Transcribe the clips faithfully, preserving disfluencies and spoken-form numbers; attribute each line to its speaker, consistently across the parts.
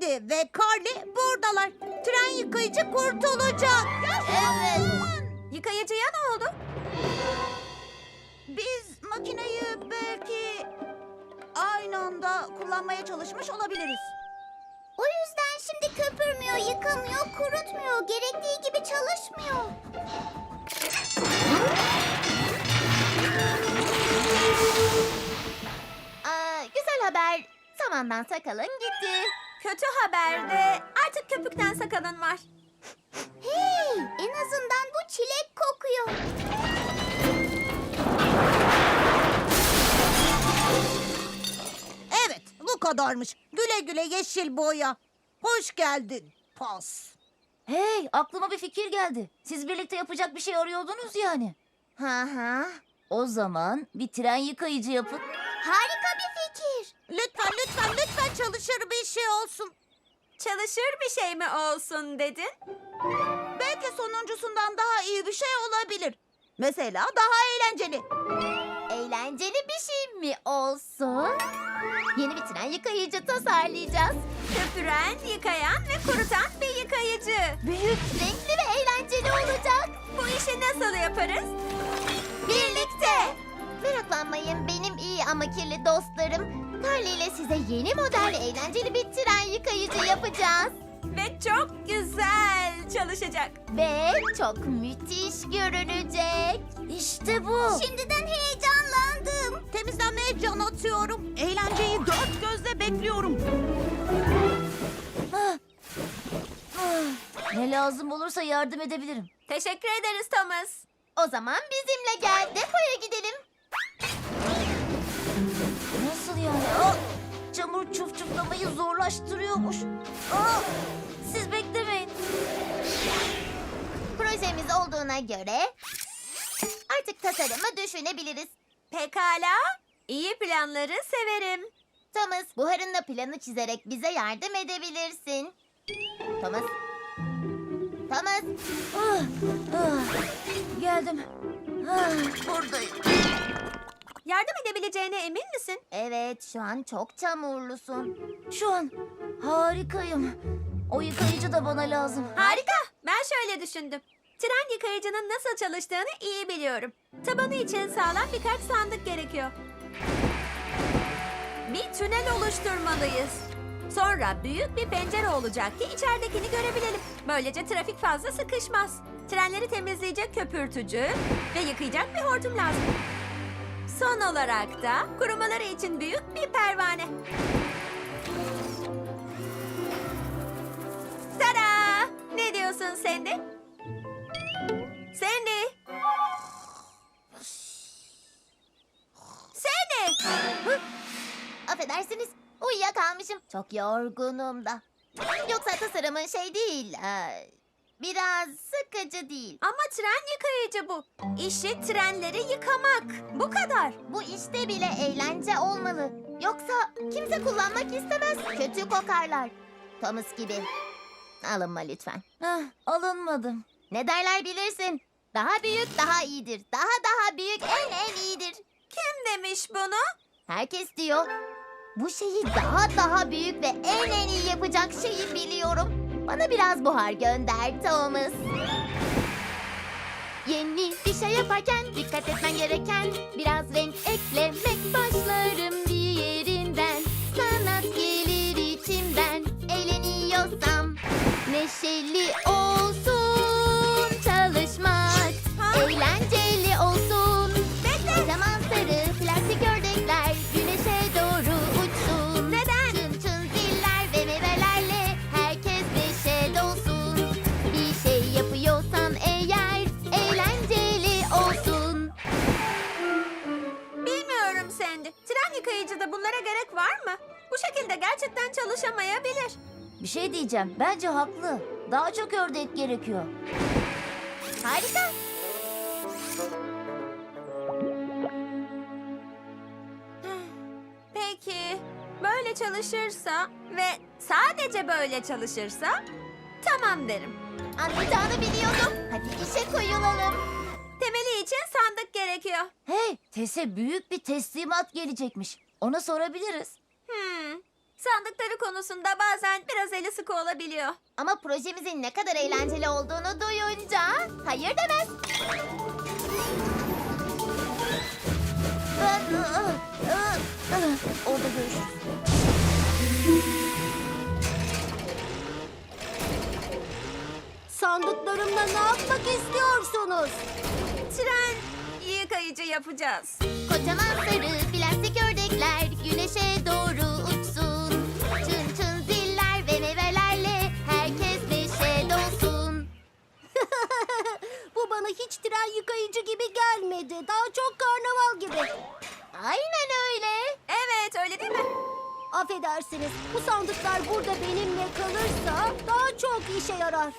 Speaker 1: Wendy ve Carly buradalar. Tren yıkayıcı kurtulacak.
Speaker 2: Evet.
Speaker 3: Yıkayıcıya ne oldu?
Speaker 1: Biz makineyi belki aynı anda kullanmaya çalışmış olabiliriz.
Speaker 2: O yüzden şimdi köpürmüyor, yıkamıyor, kurutmuyor. Gerektiği gibi çalışmıyor. Aa, güzel haber. Samandan sakalın gitti.
Speaker 3: Kötü haber de artık köpükten sakalın var.
Speaker 2: Hey, en azından bu çilek kokuyor.
Speaker 1: Evet, bu kadarmış. Güle güle yeşil boya. Hoş geldin. Pas.
Speaker 4: Hey, aklıma bir fikir geldi. Siz birlikte yapacak bir şey arıyordunuz yani.
Speaker 2: Ha ha.
Speaker 4: O zaman bir tren yıkayıcı yapın.
Speaker 2: Harika bir fikir.
Speaker 1: Lütfen, lütfen, lütfen çalışır bir şey olsun.
Speaker 3: Çalışır bir şey mi olsun dedin?
Speaker 1: Belki sonuncusundan daha iyi bir şey olabilir. Mesela daha eğlenceli.
Speaker 2: Eğlenceli bir şey mi olsun? Yeni bir tren yıkayıcı tasarlayacağız.
Speaker 3: Köpüren, yıkayan ve kurutan bir yıkayıcı.
Speaker 2: Büyük, renkli ve eğlenceli olacak.
Speaker 3: Bu işi nasıl yaparız?
Speaker 2: Birlikte. Meraklanmayın benim iyi ama kirli dostlarım. Carly ile size yeni model eğlenceli bir tren yıkayıcı yapacağız.
Speaker 3: Ve çok güzel çalışacak.
Speaker 2: Ve çok müthiş görünecek.
Speaker 4: İşte bu.
Speaker 2: Şimdiden heyecanlandım.
Speaker 1: Temizlenmeye can atıyorum. Eğlenceyi dört gözle bekliyorum.
Speaker 4: Ah. Ah. Ne lazım olursa yardım edebilirim.
Speaker 3: Teşekkür ederiz Thomas.
Speaker 2: O zaman bizimle gel. Depoya gidelim.
Speaker 4: Nasıl yani? Ah! Çamur çuf çuflamayı zorlaştırıyormuş. Ah! Siz beklemeyin.
Speaker 2: Projemiz olduğuna göre artık tasarımı düşünebiliriz.
Speaker 3: Pekala. İyi planları severim.
Speaker 2: Thomas, buharınla planı çizerek bize yardım edebilirsin. Thomas. Thomas.
Speaker 4: Ah! Ah! Geldim. Ah! Buradayım.
Speaker 3: Yardım edebileceğine emin misin?
Speaker 2: Evet, şu an çok çamurlusun.
Speaker 4: Şu an harikayım. O yıkayıcı da bana lazım.
Speaker 3: Harika. Ben şöyle düşündüm. Tren yıkayıcının nasıl çalıştığını iyi biliyorum. Tabanı için sağlam birkaç sandık gerekiyor. Bir tünel oluşturmalıyız. Sonra büyük bir pencere olacak ki içeridekini görebilelim. Böylece trafik fazla sıkışmaz. Trenleri temizleyecek köpürtücü ve yıkayacak bir hortum lazım. Son olarak da kurumaları için büyük bir pervane. Tada! Ne diyorsun Sandy? Sandy! Sandy!
Speaker 2: Affedersiniz, uyuyakalmışım. Çok yorgunum da. Yoksa tasarımın şey değil, ee, biraz sıkıcı değil.
Speaker 3: Ama tren yıkayıcı bu. İşi trenleri yıkamak. Bu kadar.
Speaker 2: Bu işte bile eğlence olmalı. Yoksa kimse kullanmak istemez. Kötü kokarlar. Thomas gibi. Alınma lütfen.
Speaker 4: Ah, alınmadım.
Speaker 2: Ne derler bilirsin. Daha büyük daha iyidir. Daha daha büyük en en iyidir.
Speaker 3: Kim demiş bunu?
Speaker 2: Herkes diyor. Bu şeyi daha daha büyük ve en en iyi yapacak şeyi biliyorum. Bana biraz buhar gönder Thomas. Yeni bir şey yaparken dikkat etmen gereken biraz renk eklemek. Başlarım bir yerinden, sanat gelir içimden. Eğleniyorsam neşeli olsun çalışmak.
Speaker 3: Ha?
Speaker 2: Eğlenceli olsun.
Speaker 3: Bekle.
Speaker 2: Kocaman sarı plastik ördekler güneşe doğru uçsun.
Speaker 3: Neden?
Speaker 2: Çın çın ziller ve meyvelerle herkes neşe dolsun. Bir şey yapıyorsan eğer eğlenceli olsun.
Speaker 3: Bilmiyorum Sandy. Tren yıkayıcıda bunlara gerek var mı? Bu şekilde gerçekten çalışamayabilir.
Speaker 4: Bir şey diyeceğim. Bence haklı. Daha çok ördek gerekiyor.
Speaker 2: Harika.
Speaker 3: Peki, böyle çalışırsa ve sadece böyle çalışırsa tamam derim.
Speaker 2: Anlayacağını biliyordum. Hadi işe koyulalım.
Speaker 3: Temeli için sandık gerekiyor.
Speaker 4: Hey, Tess'e büyük bir teslimat gelecekmiş. Ona sorabiliriz.
Speaker 3: Hmm. Sandıkları konusunda bazen biraz eli sıkı olabiliyor.
Speaker 2: Ama projemizin ne kadar eğlenceli olduğunu duyunca hayır demez.
Speaker 4: Orada görüşürüz.
Speaker 5: Sandıklarımla ne yapmak istiyorsunuz?
Speaker 3: Tren yıkayıcı yapacağız.
Speaker 2: Kocaman sarı plastik ördekler güneşe doğru uçsun. Çın çın ziller ve meyvelerle herkes neşe dolsun.
Speaker 5: Bu bana hiç tren yıkayıcı gibi gelmedi. Daha çok karnaval gibi.
Speaker 2: Aynen öyle.
Speaker 3: Evet, öyle değil mi?
Speaker 5: Affedersiniz, bu sandıklar burada benimle kalırsa daha çok işe yarar.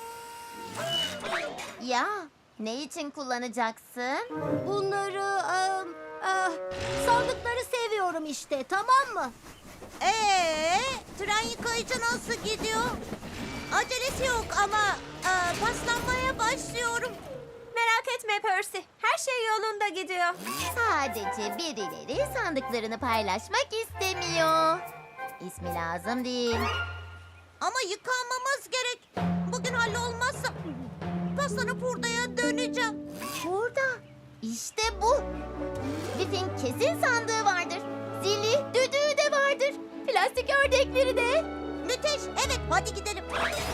Speaker 2: Ya ne için kullanacaksın?
Speaker 5: Bunları, em, eh, sandıkları seviyorum işte, tamam mı?
Speaker 1: Ee, tren yıkayıcı nasıl gidiyor? Acelesi yok ama e, paslanmaya başlıyorum.
Speaker 3: Merak etme Percy. Her şey yolunda gidiyor.
Speaker 2: Sadece birileri sandıklarını paylaşmak istemiyor. İsmi lazım değil.
Speaker 1: Ama yıkanmamız gerek. Bugün hallolmazsa paslanıp hurdaya döneceğim.
Speaker 2: Burada. İşte bu. Biff'in kesin sandığı vardır. Zili, düdüğü de vardır. Plastik ördekleri de.
Speaker 1: Müthiş. Evet, hadi gidelim.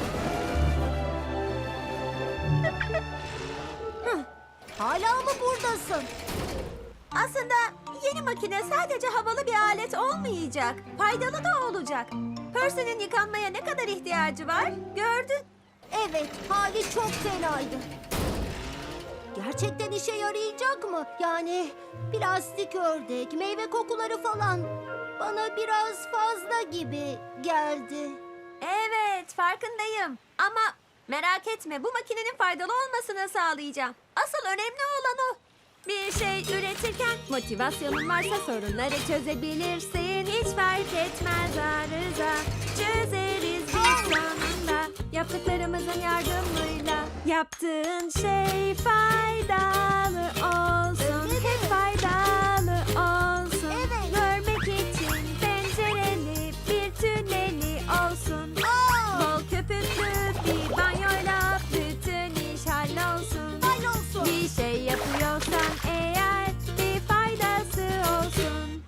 Speaker 5: Hala mı buradasın?
Speaker 3: Aslında yeni makine sadece havalı bir alet olmayacak. Faydalı da olacak. Percy'nin yıkanmaya ne kadar ihtiyacı var gördün.
Speaker 5: Evet, hali çok fenaydı. Gerçekten işe yarayacak mı? Yani plastik ördek, meyve kokuları falan. Bana biraz fazla gibi geldi.
Speaker 3: Evet, farkındayım. Ama merak etme, bu makinenin faydalı olmasını sağlayacağım. Asıl önemli olan o. Bir şey üretirken motivasyonun varsa sorunları çözebilirsin. Hiç fark etmez arıza. Çözeriz biz sonunda. Yaptıklarımızın yardımıyla. Yaptığın şey faydalı olsun. Hep faydalı olsun.
Speaker 5: Evet.
Speaker 3: Görmek için pencereli bir tüneli olsun. Bol köpüklü bir banyoyla bütün iş hallolsun.
Speaker 5: Hallolsun.
Speaker 3: Bir şey yapıyorsan eğer bir faydası olsun.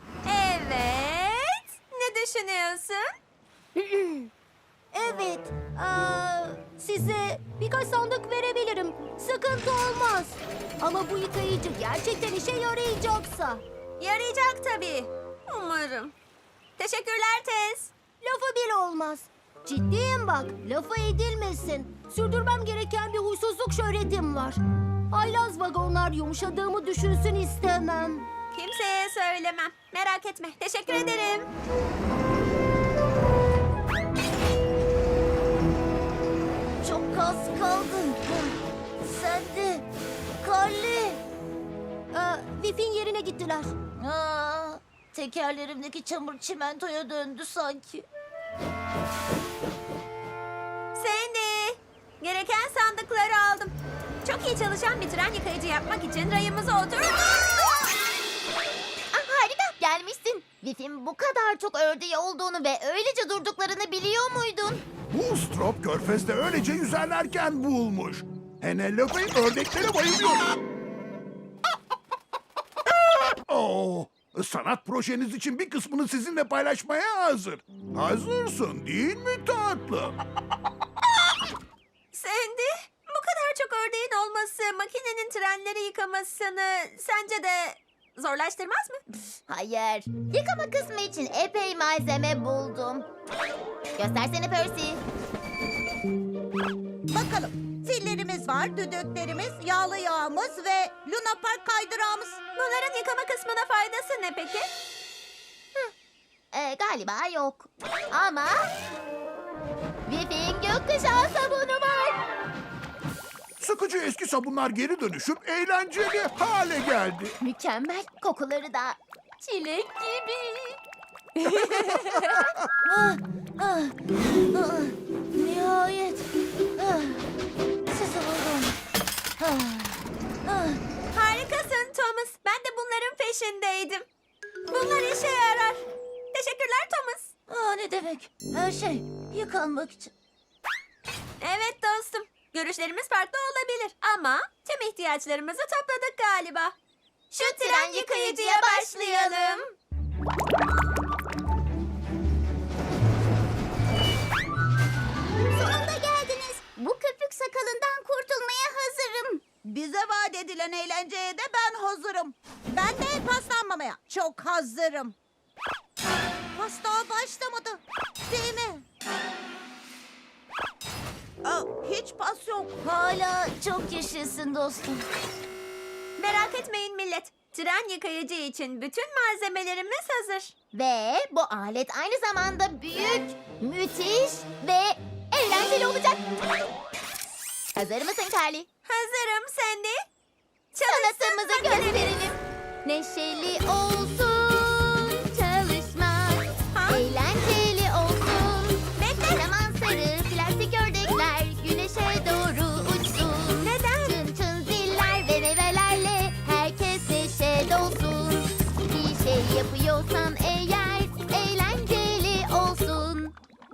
Speaker 3: Evet. Ne düşünüyorsun?
Speaker 5: Evet, eee, size birkaç sandık verebilirim. Sıkıntı olmaz. Ama bu yıkayıcı gerçekten işe yarayacaksa.
Speaker 3: Yarayacak tabii. Umarım. Teşekkürler Tez.
Speaker 5: Lafı bile olmaz. Ciddiyim bak, lafı edilmesin. Sürdürmem gereken bir huysuzluk şöhretim var. Haylaz vagonlar yumuşadığımı düşünsün istemem.
Speaker 3: Kimseye söylemem. Merak etme. Teşekkür ederim.
Speaker 5: Çok az kaldı. Sen de. Kalli. Ee, Vif'in yerine gittiler.
Speaker 4: Aa, tekerlerimdeki çamur çimentoya döndü sanki.
Speaker 3: Sandy. Gereken sandıkları aldım. Çok iyi çalışan bir tren yıkayıcı yapmak için rayımıza oturduk.
Speaker 2: Ah, harika gelmişsin. Biff'in bu kadar çok ördeği olduğunu ve öylece durduklarını biliyor muydun?
Speaker 6: Bu strop körfezde öylece yüzerlerken bulmuş. Penelope ördeklere bayılıyor. Oo, sanat projeniz için bir kısmını sizinle paylaşmaya hazır. Hazırsın değil mi tatlım?
Speaker 3: Sandy, bu kadar çok ördeğin olması makinenin trenleri yıkamasını sence de zorlaştırmaz mı?
Speaker 2: Hayır. Yıkama kısmı için epey malzeme buldum. Göstersene Percy.
Speaker 1: Bakalım. Zillerimiz var, düdüklerimiz, yağlı yağımız ve Luna Park kaydırağımız.
Speaker 3: Bunların yıkama kısmına faydası ne peki?
Speaker 2: Ee, galiba yok. Ama Biff'in gökkuşağı sabunu var.
Speaker 6: Sıkıcı eski sabunlar geri dönüşüp eğlenceli hale geldi.
Speaker 2: Mükemmel. Kokuları da çilek gibi.
Speaker 4: Nihayet. Ah, sizi buldum. Ah, ah.
Speaker 3: Harikasın Thomas. Ben de bunların peşindeydim. Bunlar işe yarar. Teşekkürler Thomas.
Speaker 4: Ah, ne demek? Her şey yıkanmak için.
Speaker 3: Evet dostum. Görüşlerimiz farklı olabilir ama tüm ihtiyaçlarımızı topladık galiba. Şu tren yıkayıcıya başlayalım.
Speaker 2: Sonunda geldiniz. Bu köpük sakalından kurtulmaya hazırım.
Speaker 1: Bize vaat edilen eğlenceye de ben hazırım. Ben de paslanmamaya çok hazırım. Pasta başlamadı. Değil mi? Aa, hiç pas yok.
Speaker 4: Hala çok yaşasın dostum.
Speaker 3: Merak etmeyin millet. Tren yıkayıcı için bütün malzemelerimiz hazır.
Speaker 2: Ve bu alet aynı zamanda büyük, müthiş ve eğlenceli olacak. Hazır mısın Carly?
Speaker 3: Hazırım Sandy.
Speaker 2: Sanatımızı gösterelim. Neşeli olsun çalışmak,
Speaker 3: Ha?
Speaker 2: eğlenceli olsun.
Speaker 3: Bekle.
Speaker 2: Zaman sarı plastik ördekler güneşe doğru uçsun.
Speaker 3: Neden?
Speaker 2: Çın çın ziller ve meyvelerle herkes neşe dolsun. Bir şey yapıyorsan eğer eğlenceli olsun.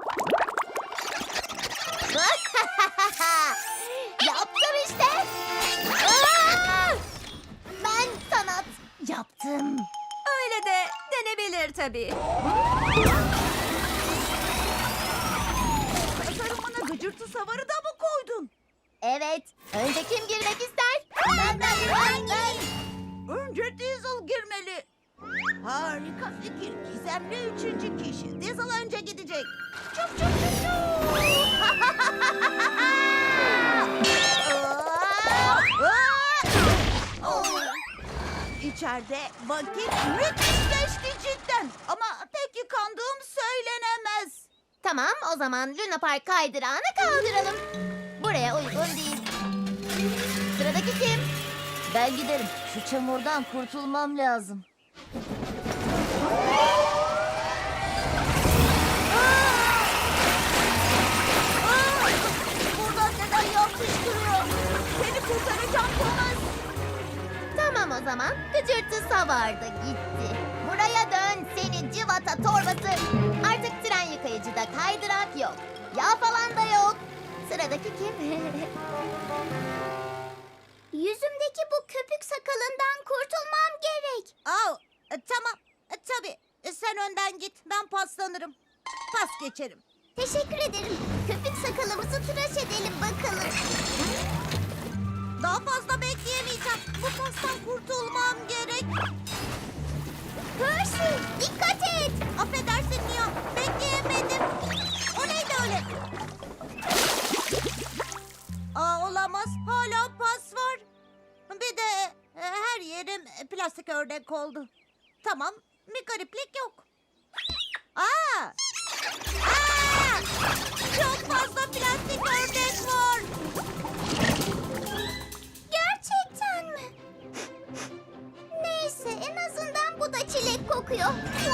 Speaker 2: Yaptım işte. Aa! Ben sanat yaptım.
Speaker 3: Öyle de denebilir tabii.
Speaker 1: Tasarımına gıcırtı savarı da mı koydun?
Speaker 2: Evet. Önce kim girmek ister? Ben ben ben ben.
Speaker 1: Önce Diesel girmeli. Harika fikir. Gizemli üçüncü kişi. Diesel önce gidecek. Çuf çuf çuf çuf. İçeride vakit müthiş geçti cidden. Ama pek yıkandığım söylenemez.
Speaker 2: Tamam, o zaman Luna Park kaydırağını kaldıralım. Buraya uygun değil. Sıradaki kim?
Speaker 4: Ben giderim. Şu çamurdan kurtulmam lazım.
Speaker 1: Buradan neden yapıştırıyor? Seni kurtaracağım Thomas.
Speaker 2: Tamam o zaman. Gıcırtı savardı gitti. Buraya dön seni cıvata torbası. Artık tren yıkayıcıda kaydırak yok. Yağ falan da yok. Sıradaki kim? Yüzümdeki bu köpük sakalından kurtulmam gerek.
Speaker 1: Aa, e, tamam. E, tabii. E, sen önden git. Ben paslanırım. Pas geçerim.
Speaker 2: Teşekkür ederim. Köpük sakalımızı tıraş edelim bakalım.
Speaker 1: Daha fazla bekleyemeyeceğim. Bu pastan kurtulmam gerek.
Speaker 2: Percy, dikkat et.
Speaker 1: Affedersin Mia. Bekleyemedim. O neydi öyle? Aa, olamaz. Hala pas var. Bir de e, her yerim e, plastik ördek oldu. Tamam. Bir gariplik yok. Aa! Aa! Çok fazla plastik ördek var.
Speaker 2: Gerçekten mi? Neyse, en azından bu da çilek kokuyor.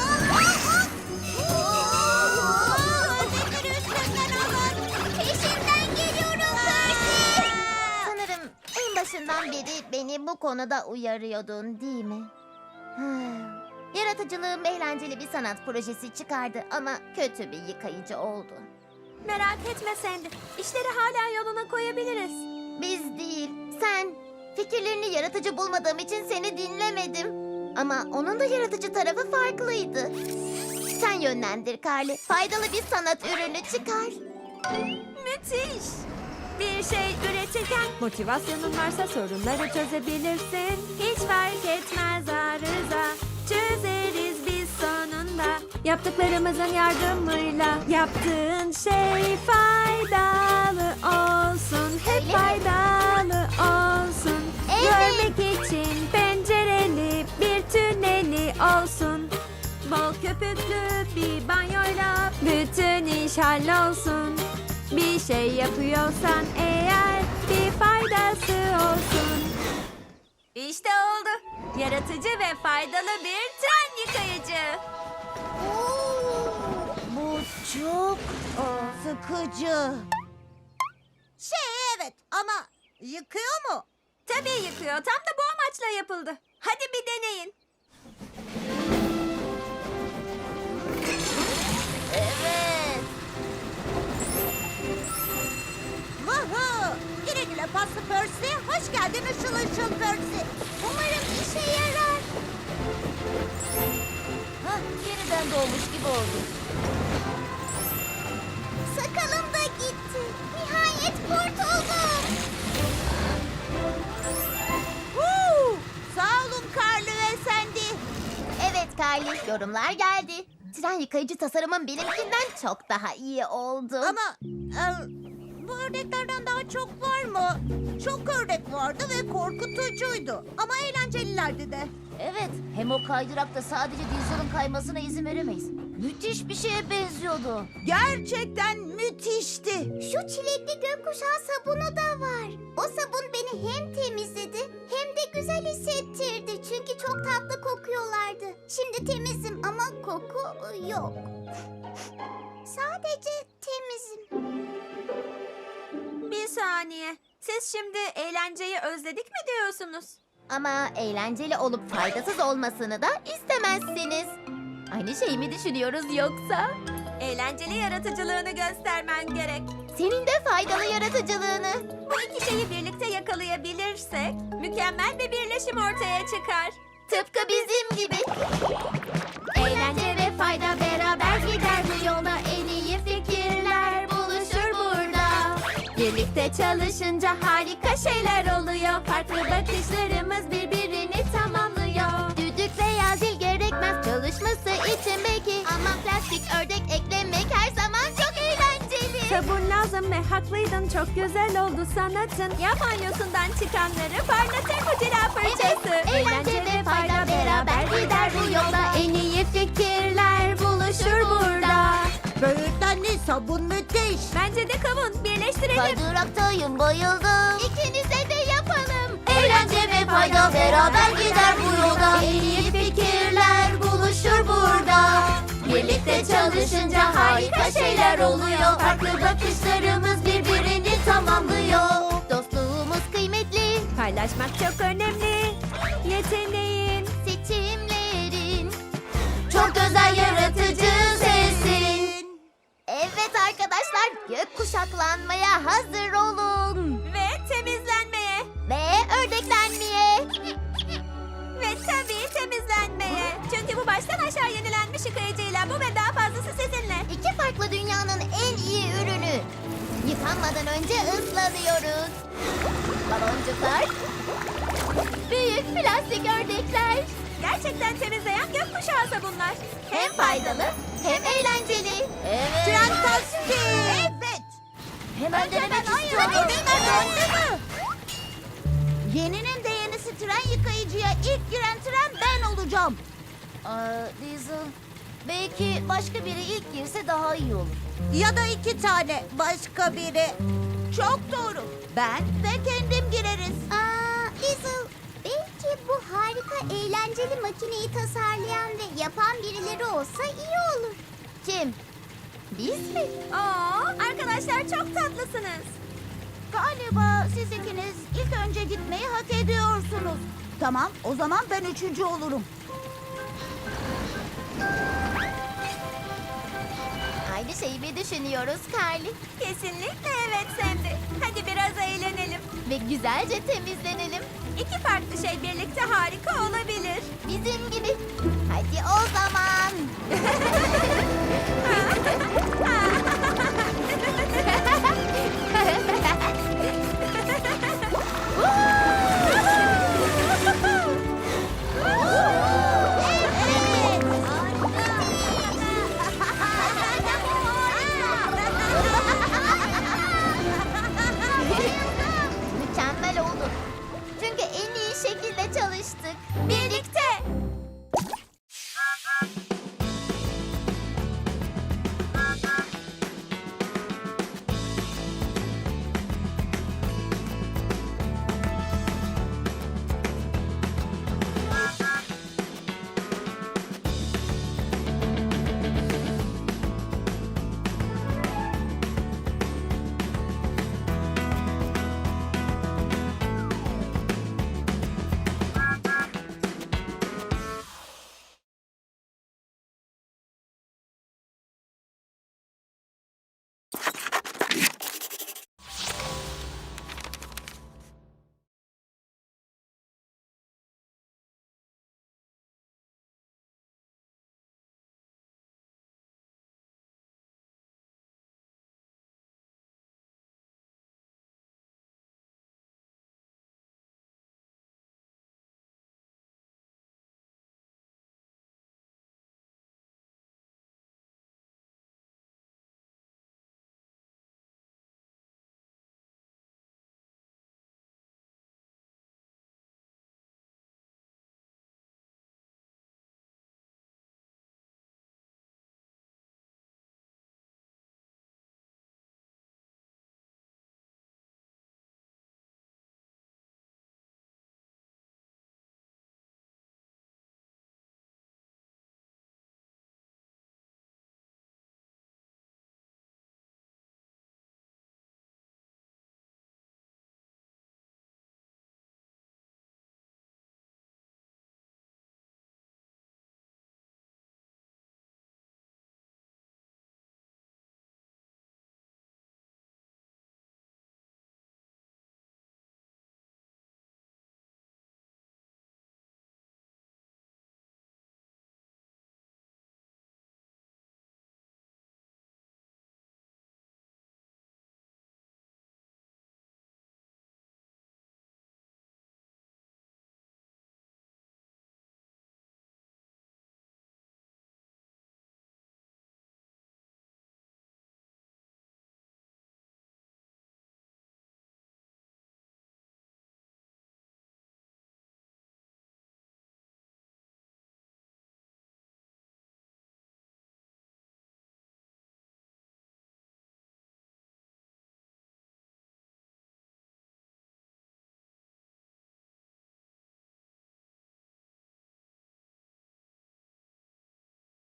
Speaker 1: Ördekleri üstünden alın.
Speaker 2: Peşimden geliyorum Percy. Sanırım en başından beri beni bu konuda uyarıyordun, değil mi? Yaratıcılığım eğlenceli bir sanat projesi çıkardı ama kötü bir yıkayıcı oldu.
Speaker 3: Merak etme Sandy. İşleri hala yoluna koyabiliriz.
Speaker 2: Biz değil, sen. Fikirlerini yaratıcı bulmadığım için seni dinlemedim. Ama onun da yaratıcı tarafı farklıydı. Sen yönlendir Carly. Faydalı bir sanat ürünü çıkar.
Speaker 3: Müthiş. Bir şey üretirken motivasyonun varsa sorunları çözebilirsin. Hiç fark etmez arıza. Çözeriz biz sonunda. Yaptıklarımızın yardımıyla yaptığın şey faydalı olsun. Hep
Speaker 2: Öyle mi?
Speaker 3: faydalı olsun.
Speaker 2: Evet.
Speaker 3: Görmek için pencereli bir tüneli olsun. Bol köpüklü bir banyoyla bütün iş hallolsun. Bir şey yapıyorsan eğer bir faydası olsun. İşte oldu. Yaratıcı ve faydalı bir tren yıkayıcı.
Speaker 1: Bu çok aa, sıkıcı. Şey evet ama yıkıyor mu?
Speaker 3: Tabii yıkıyor. Tam da bu amaçla yapıldı. Hadi bir deneyin.
Speaker 4: Evet.
Speaker 1: giydirdin ışıl ışıl Percy.
Speaker 2: Umarım işe yarar.
Speaker 4: Hah, yeniden doğmuş gibi oldu.
Speaker 2: Sakalım da gitti. Nihayet kurtuldum.
Speaker 1: Huu! Sağ olun Carly ve Sandy.
Speaker 2: Evet Kylie, yorumlar geldi. Tren yıkayıcı tasarımın benimkinden çok daha iyi oldu.
Speaker 1: Ama e, bu ördeklerden daha çok var mı? Çok ördek vardı ve korkutucuydu. Ama eğlencelilerdi de.
Speaker 4: Evet, hem o kaydırakta sadece Diesel'ın kaymasına izin veremeyiz. Müthiş bir şeye benziyordu.
Speaker 1: Gerçekten müthişti.
Speaker 2: Şu çilekli gökkuşağı sabunu da var. O sabun beni hem temizledi hem de güzel hissettirdi. Çünkü çok tatlı kokuyorlardı. Şimdi temizim ama koku yok. Sadece temizim.
Speaker 3: Bir saniye. Siz şimdi eğlenceyi özledik mi diyorsunuz?
Speaker 2: Ama eğlenceli olup faydasız olmasını da istemezsiniz. Aynı şeyi mi düşünüyoruz yoksa?
Speaker 3: Eğlenceli yaratıcılığını göstermen gerek.
Speaker 2: Senin de faydalı yaratıcılığını.
Speaker 3: Bu iki şeyi birlikte yakalayabilirsek mükemmel bir birleşim ortaya çıkar.
Speaker 2: Tıpkı bizim gibi. Eğlence ve fayda beraber gider bu yolda. En iyi fikirler buluşur burada. Birlikte çalışınca harika şeyler oluyor. Farklı bakışlarımız birbirini tamamlıyor. Düdük veya zil gerekmez çalışması için belki. Ama plastik ördek eklemek her zaman çok eğlenceli.
Speaker 3: Sabun lazım ve haklıydın, çok güzel oldu sanatın. Ya banyosundan çıkanları parlatır bu cila fırçası.
Speaker 2: Eğlence ve fayda beraber gider bu yolda. En iyi fikirler buluşur burada.
Speaker 1: Böğürtlenli sabun müthiş.
Speaker 3: Bence de kavun, birleştirelim.
Speaker 2: Kaydıraktayım, bayıldım. İkinize de yapalım. Eğlence ve fayda beraber gider bu yolda. En iyi fikirler buluşur burada. Birlikte çalışınca harika şeyler oluyor. Farklı bakışlarımız birbirini tamamlıyor. Dostluğumuz kıymetli.
Speaker 3: Paylaşmak çok önemli. Yeteneğin.
Speaker 2: Seçimlerin çok özel yaratıcı sesin. Evet arkadaşlar, gök kuşaklanmaya hazır olun.
Speaker 3: Ve temizlenmeye.
Speaker 2: Ve ördeklenmeye.
Speaker 3: Ve tabii temizlenmeye. Çünkü bu baştan aşağı yenilenmiş yıkayıcıyla bu ve daha fazlası sizinle.
Speaker 2: İki farklı dünyanın en iyi ürünü. Yıkanmadan önce ıslanıyoruz. Baloncuklar. Büyük plastik ördekler.
Speaker 3: Gerçekten temizleyen gökkuşağı sabunlar.
Speaker 2: Hem faydalı hem eğlenceli. Evet.
Speaker 1: Fantastik. Evet.
Speaker 4: Hemen denemek
Speaker 1: Hadi
Speaker 4: istiyorum.
Speaker 1: döndü mü? Yeninin de yenisi tren yıkayıcıya ilk giren tren ben olacağım.
Speaker 4: Aa, Diesel, belki başka biri ilk girse daha iyi olur.
Speaker 1: Ya da iki tane başka biri. Çok doğru. Ben ve kendim gireriz.
Speaker 2: Aa, Lizzle, belki bu harika eğlenceli makineyi tasarlayan ve yapan birileri olsa iyi olur. Kim? Biz mi?
Speaker 3: Oo, arkadaşlar çok tatlısınız.
Speaker 1: Galiba siz ikiniz ilk önce gitmeyi hak ediyorsunuz. Tamam, o zaman ben üçüncü olurum.
Speaker 2: Aynı şeyi mi düşünüyoruz Carly?
Speaker 3: Kesinlikle evet Sandy. Hadi biraz eğlenelim.
Speaker 2: Ve güzelce temizlenelim.
Speaker 3: İki farklı şey birlikte harika olabilir.
Speaker 2: Bizim gibi. Hadi o zaman.